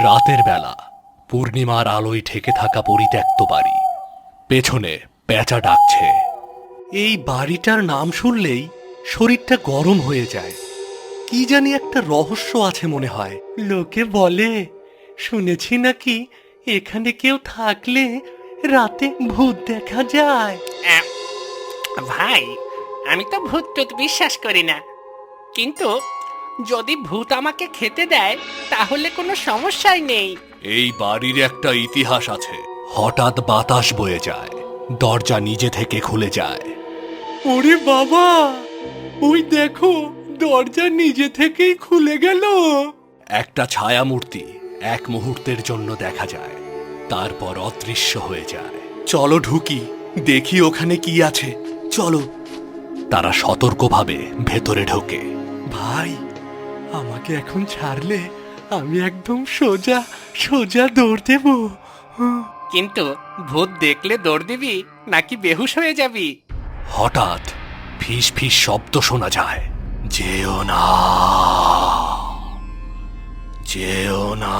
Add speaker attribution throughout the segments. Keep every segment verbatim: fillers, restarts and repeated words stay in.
Speaker 1: রাতের বেলা পূর্ণিমার আলোয় ঢেকে থাকা পরিত্যক্ত বাড়ি। পেছনে পেঁচা ডাকছে। এই বাড়িটার নাম শুনলেই শরীরটা গরম হয়ে যায়। কি জানি একটা রহস্য আছে মনে হয়। লোকে বলে, শুনেছি নাকি এখানে কেউ থাকলে রাতে ভূত দেখা যায়।
Speaker 2: আহ, ভাই, আমি তো ভূত টুত বিশ্বাস করি না, কিন্তু যদি ভূত আমাকে খেতে দেয় তাহলে কোনো সমস্যাই নেই।
Speaker 1: এই বাড়ির একটা ইতিহাস আছে। হঠাৎ বাতাস বয়ে যায়, দরজা নিজে থেকে খুলে যায়। ওরে বাবা, ওই দেখো, দরজা নিজে থেকেই খুলে গেল। একটা ছায়ামূর্তি এক মুহূর্তের জন্য দেখা যায়, তারপর অদৃশ্য হয়ে যায়। চলো ঢুকি, দেখি ওখানে কি আছে। চলো। তারা সতর্কভাবে ভেতরে ঢোকে। ভাই, আমাকে এখন ছাড়লে আমি একদম সোজা সোজা দৌড় দেব।
Speaker 2: কিন্তু ভূত দেখলে দৌড় দিবি নাকি বেহুশ হয়ে যাবি?
Speaker 1: হঠাৎ ফিস ফিস শব্দ শোনা যায়। যেও না, যেও না।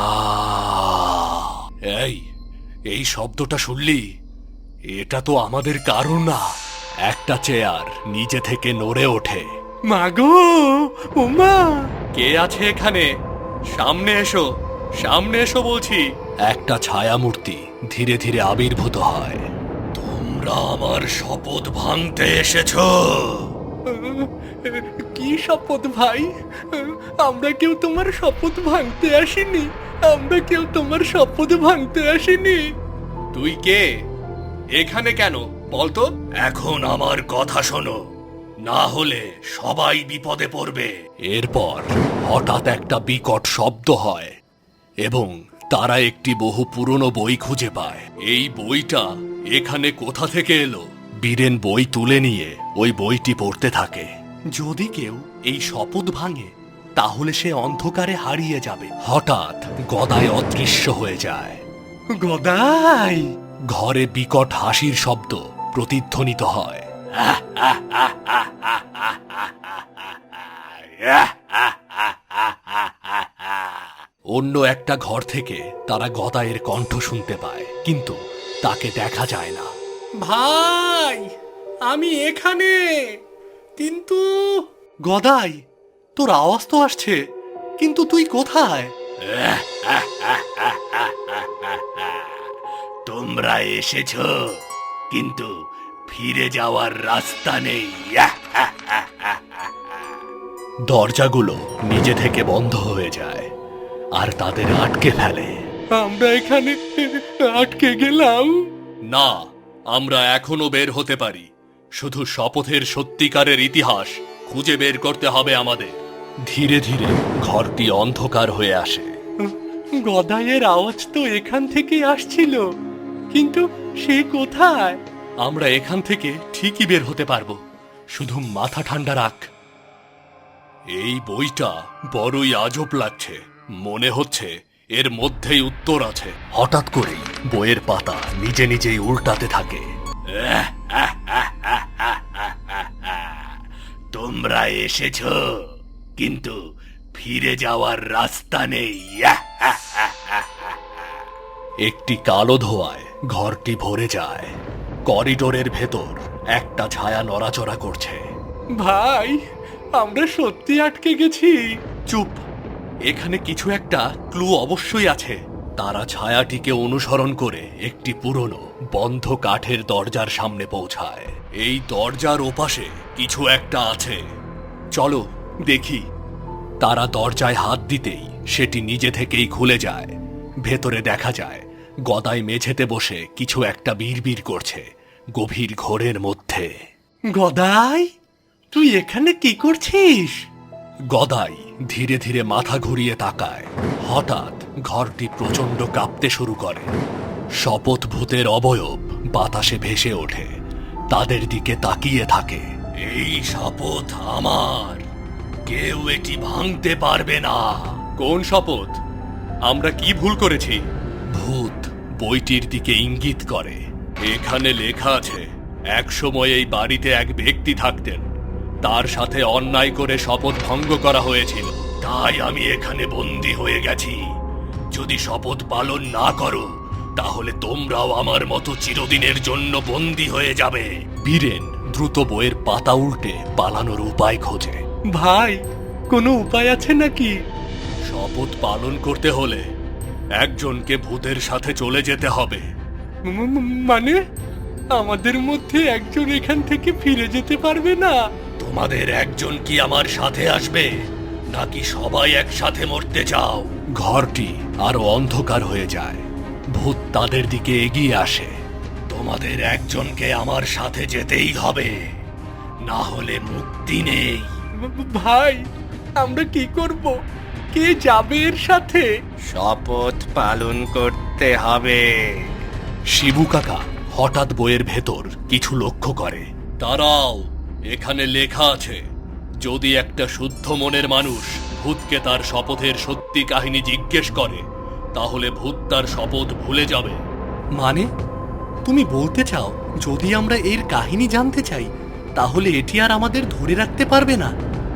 Speaker 1: এই এই শব্দটা শুনলি? এটা তো আমাদের কারণ না। একটা চেয়ার নিজে থেকে নড়ে ওঠে। মাগো, ওমা, কে আছে এখানে? সামনে এসো, সামনে এসো বলছি। একটা ছায়ামূর্তি ধীরে ধীরে আবির্ভূত হয়। তোমরা আমার শপথ ভাঙতে এসেছো? কি শপথ ভাই? আমরা কেউ তোমার শপথ ভাঙতে আসিনি। আমরা কেউ তোমার শপথ ভাঙতে আসিনি। তুই কে? এখানে কেন বলতো? এখন আমার কথা শোনো, না হলে সবাই বিপদে পড়বে। এরপর হঠাৎ একটা বিকট শব্দ হয় এবং তারা একটি বহু পুরনো বই খুঁজে পায়। এই বইটা এখানে কোথা থেকে এলো? বীরেন বই তুলে নিয়ে ওই বইটি পড়তে থাকে। যদি কেউ এই শপথ ভাঙে তাহলে সে অন্ধকারে হারিয়ে যাবে। হঠাৎ গদাই অদৃশ্য হয়ে যায়। গদাই! ঘরে বিকট হাসির শব্দ প্রতিধ্বনিত হয়। অন্য একটা ঘর থেকে তারা গদাইয়ের কণ্ঠ শুনতে পায়, কিন্তু তাকে দেখা যায় না। ভাই, আমি এখানে, কিন্তু গদাই, তোর আওয়াজ তো আসছে, কিন্তু তুই কোথায়? তোমরা এসেছো, কিন্তু ফিরে যাওয়ার রাস্তা নেই। দরজাগুলো নিজে থেকে বন্ধ হয়ে যায় আর তাদের আটকে ফেলে। আমরা এখানে আটকে গেলাম। না, আমরা এখনো বের হতে পারি। শুধু শপথের সত্যিকারের ইতিহাস খুঁজে বের করতে হবে আমাদের। ধীরে ধীরে ঘরটি অন্ধকার হয়ে আসে। গদাইয়ের আওয়াজ তো এখান থেকেই আসছিল, কিন্তু সে কোথায়? আমরা এখান থেকে ঠিকই বের হতে পারবো, শুধু মাথা ঠান্ডা রাখ। এই বইটা বড়ই আজব লাগছে। মনে হচ্ছে এর মধ্যেই উত্তর আছে। হঠাৎ করেই বইয়ের পাতা নিজে নিজেই উল্টাতে থাকে। তোমরা এসেছো, কিন্তু ফিরে যাওয়ার রাস্তা নেই। একটি কালো ধোঁয়ায় ঘরটি ভরে যায়। করিডোরের ভেতর একটা ছায়া নড়াচড়া করছে। ভাই, আমরা সত্যি আটকে গেছি। চুপ, এখানে কিছু একটা ক্লু অবশ্যই আছে। তারা ছায়াটিকে অনুসরণ করে একটি পুরনো বন্ধ কাঠের দরজার সামনে পৌঁছায়। এই দরজার ওপাশে কিছু একটা আছে। চলো দেখি। তারা দরজায় হাত দিতেই সেটি নিজে থেকেই খুলে যায়। ভেতরে দেখা যায় গদাই মেঝেতে বসে কিছু একটা বিড়বিড় করছে গভীর ঘোরের মধ্যে। গদাই, তুই এখানে কি করছিস? গদাই ধীরে ধীরে মাথা ঘুরিয়ে তাকায়। হঠাৎ ঘরটি প্রচন্ড কাঁপতে শুরু করে। শপথ ভূতের অবয়ব বাতাসে ভেসে ওঠে, তাদের দিকে তাকিয়ে থাকে। এই শপথ আমার, কেউ এটি ভাঙতে পারবে না। কোন শপথ? আমরা কি ভুল করেছি? ভূত বইটির দিকে ইঙ্গিত করে। এখানে লেখা আছে, এক সময় এই বাড়িতে এক ব্যক্তি থাকতেন, তার সাথে অন্যায় করে শপথ ভঙ্গ করা হয়েছিল, তাই আমি এখানে বন্দী হয়ে গেছি। যদি শপথ পালন না করো তাহলে তোমরাও আমার মতো চিরদিনের জন্য বন্দী হয়ে যাবে। বীরেন দ্রুত বইয়ের পাতা উল্টে পালানোর উপায় খোঁজে। ভাই, কোনো উপায় আছে নাকি? শপথ পালন করতে হলে একজনকে ভূতের সাথে চলে যেতে হবে। মানে আমাদের মধ্যে একজন এখান থেকে ফিরে যেতে পারবে না? তোমাদের একজন কি আমার সাথে আসবে, নাকি সবাই একসাথে মরতে চাও? ঘরটি আরো অন্ধকার হয়ে যায়। ভূত তাদের দিকে এগিয়ে আসে। তোমাদের একজনকে আমার সাথে যেতেই হবে, না হলে মুক্তি নেই। ভাই, আমরা কি করব? কে যাবে এর সাথে?
Speaker 2: শপথ পালন করতে হবে।
Speaker 1: শিবু কাকা হঠাৎ বইয়ের ভেতর কিছু লক্ষ্য করে। দাঁড়াও, এখানে লেখা আছে যদি একটা শুদ্ধ মনের মানুষ ভূতকে তার শপথের সত্যি কাহিনী জিজ্ঞেস করে তাহলে ভূত তার শপথ ভুলে যাবে। মানে তুমি বলতে চাও যদি আমরা এর কাহিনী জানতে চাই তাহলে এটি আর আমাদের ধরে রাখতে পারবে না?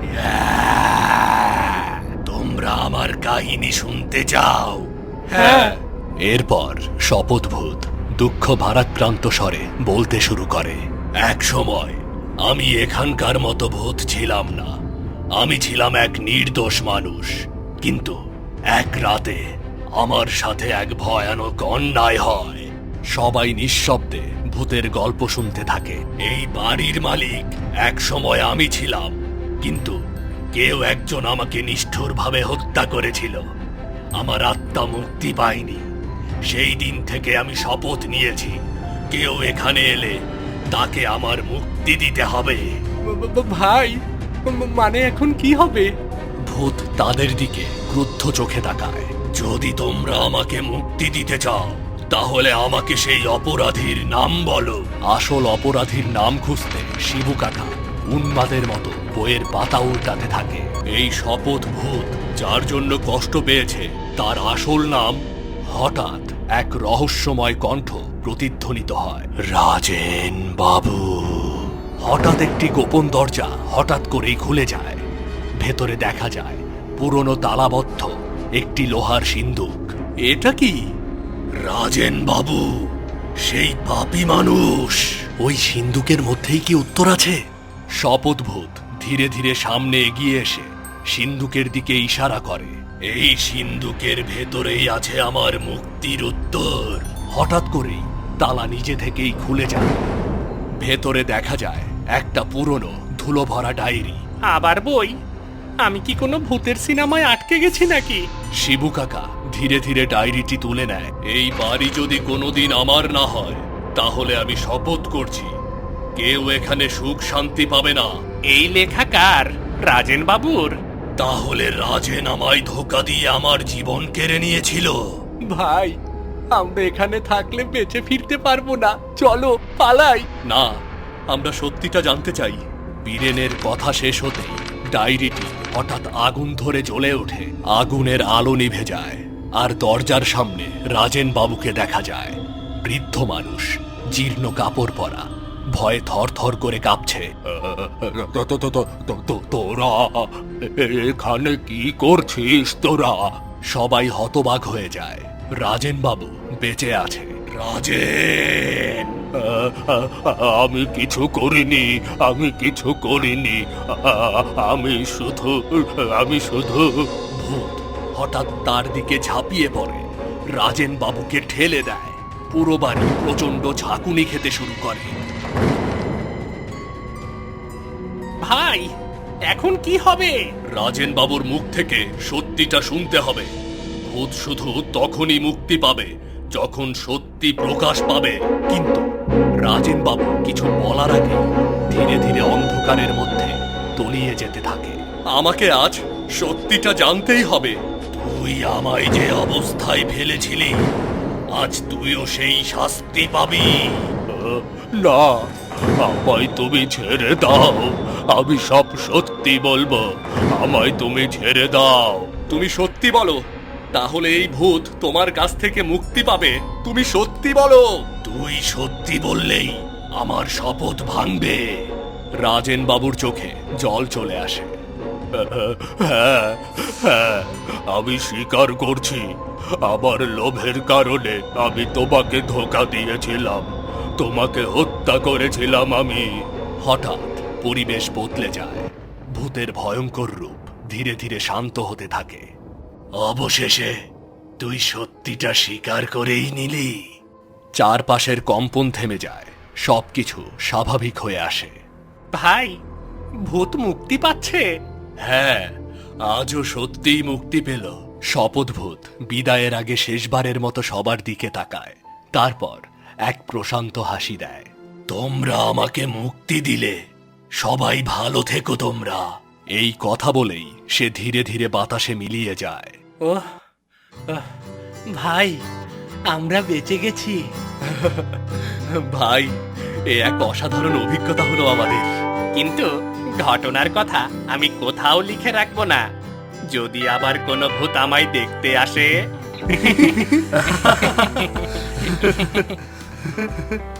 Speaker 1: তোমরা আমার কাহিনী শুনতে চাও? হ্যাঁ। এরপর শপথভূত দুঃখ ভারাক্রান্ত স্বরে বলতে শুরু করে। এক সময় আমি এখানকার মতো ভূত ছিলাম না। আমি ছিলাম এক নির্দোষ মানুষ, কিন্তু এক রাতে আমার সাথে এক ভয়ানক অন্যায় হয়। সবাই নিঃশব্দে ভূতের গল্প শুনতে থাকে। এই বাড়ির মালিক এক সময় আমি ছিলাম, কিন্তু কেউ একজন আমাকে নিষ্ঠুরভাবে হত্যা করেছিল। আমার আত্মা মুক্তি পায়নি। সেই দিন থেকে আমি শপথ নিয়েছি কেউ এখানে এলে তাকে আমার মুক্তি দিতে হবে। ভাই, মানে এখন কি হবে? ভূত তাদের দিকে ক্রুদ্ধ চোখে তাকায়। যদি তোমরা আমাকে মুক্তি দিতে চাও তাহলে আমাকে সেই অপরাধীর নাম বলো। আসল অপরাধীর নাম খুঁজতে শিবু কাকা উন্মাদের মতো বইয়ের পাতা উল্টাতে থাকে। এই শপথ ভূত যার জন্য কষ্ট পেয়েছে তার আসল নাম। হঠাৎ এক রহস্যময় কণ্ঠ প্রতিধ্বনিত হয়, রাজেন বাবু। হঠাৎ একটি গোপন দরজা হঠাৎ করেই খুলে যায়। ভেতরে দেখা যায় পুরনো তালাবদ্ধ একটি লোহার সিন্দুক। এটা কি? রাজেন বাবু, সেই পাপী মানুষ। ওই সিন্দুকের মধ্যেই কি উত্তর আছে? শপথভূত ধীরে ধীরে সামনে এগিয়ে এসে সিন্দুকের দিকে ইশারা করে। এই সিন্দুকের ভেতরেই আছে আমার মুক্তির উত্তর। হঠাৎ করেই তালা নিজে থেকেই খুলে যায়। ভেতরে দেখা যায় একটা পুরনো ধুলো ভরা ডায়েরি।
Speaker 2: আবার বই? আমি কি কোনো ভূতের সিনেমায় আটকে গেছি নাকি?
Speaker 1: শিবু কাকা ধীরে ধীরে ডায়েরিটি তুলে নেয়। এই বাড়ি যদি কোনোদিন আমার না হয় তাহলে আমি শপথ করছি কেউ এখানে সুখ শান্তি পাবে না।
Speaker 2: এই লেখা কার? রাজেন বাবুর?
Speaker 1: তাহলে রাজেন আমায় ধোকা দিয়ে আমার জীবন কেড়ে নিয়েছিল।
Speaker 3: ভাই, আমরা এখানে থাকলে বেঁচে ফিরতে পারবো না। চলো পালাই।
Speaker 1: না, আমরা সত্যিটা জানতে চাই। বীরেনের কথা শেষ হতেই ডায়েরিটি হঠাৎ আগুন ধরে জ্বলে ওঠে। আগুনের আলো নিভে যায় আর দরজার সামনে রাজেন বাবুকে দেখা যায়। বৃদ্ধ মানুষ, জীর্ণ কাপড় পরা, ভয়ে থর থর করে কাঁপছে। তোরা এখানে কি করছিস? তোরা সবাই হতবাক হয়ে যায়। রাজেন বাবু বেঁচে আছে। রাজেন, আমি কিছু করিনি, আমি কিছু করিনি, আমি শুধু আমি শুধু ভূত হঠাৎ তার দিকে ঝাঁপিয়ে পড়ে, রাজেন বাবুকে ঠেলে দেয়। পুরো বাড়ি প্রচন্ড ঝাঁকুনি খেতে শুরু করে।
Speaker 2: ভাই, এখন কি হবে?
Speaker 1: রাজেন বাবুর মুখ থেকে সত্যিটা শুনতে হবে। ভূত শুধু তখনই মুক্তি পাবে যখন সত্যি প্রকাশ পাবে। কিন্তু রাজেন বাবু কিছু বলার আগে ধীরে ধীরে অন্ধকারের মধ্যে তলিয়ে যেতে থাকে। আমাকে আজ সত্যিটা জানতেই হবে। তুই আমায় যে অবস্থায় ফেলেছিলি, আজ তুইও সেই শাস্তি পাবি। না, আমায় তুমি ছেড়ে দাও। আমি সব সত্যি বলবো। আমায় তুমি ছেড়ে দাও। তুমি সত্যি বলো, তাহলে এই ভূত তোমার কাছ থেকে মুক্তি পাবে। তুমি সত্যি বলো। তুই সত্যি বললেই আমার শপথ ভাঙবে। রাজেন বাবুর চোখে জল চলে আসে। হ্যাঁ হ্যাঁ, আমি স্বীকার করছি আমার লোভের কারণে আমি তোমাকে ধোঁকা দিয়েছিলাম, তোমাকে হত্যা করেছিলাম আমি। হঠাৎ পরিবেশ বদলে যায়, ভূতের ভয়ঙ্কর রূপ ধীরে ধীরে শান্ত হতে থাকে। অবশেষে তুই সত্যিটা স্বীকার করেই নিলি। চারপাশের কম্পন থেমে যায়, সবকিছু স্বাভাবিক হয়ে আসে।
Speaker 2: ভাই, ভূত মুক্তি পাচ্ছে।
Speaker 1: হ্যাঁ, আজও সত্যিই মুক্তি পেল। শপথভূত বিদায়ের আগে শেষবারের মতো সবার দিকে তাকায়, তারপর এক প্রশান্ত হাসি দেয়। তোমরা আমাকে মুক্তি দিলে, সবাই ভালো থেকো তোমরা। এই কথা বলেই সে ধীরে ধীরে বাতাসে মিলিয়ে যায়।
Speaker 3: ওহ আহ, ভাই, আমরা বেঁচে গেছি।
Speaker 1: ভাই, এ এক অসাধারণ অভিজ্ঞতা হলো আমাদের।
Speaker 2: কিন্তু ঘটনার কথা আমি কোথাও লিখে রাখবো না। যদি আবার কোনো ভূত আমায় দেখতে আসে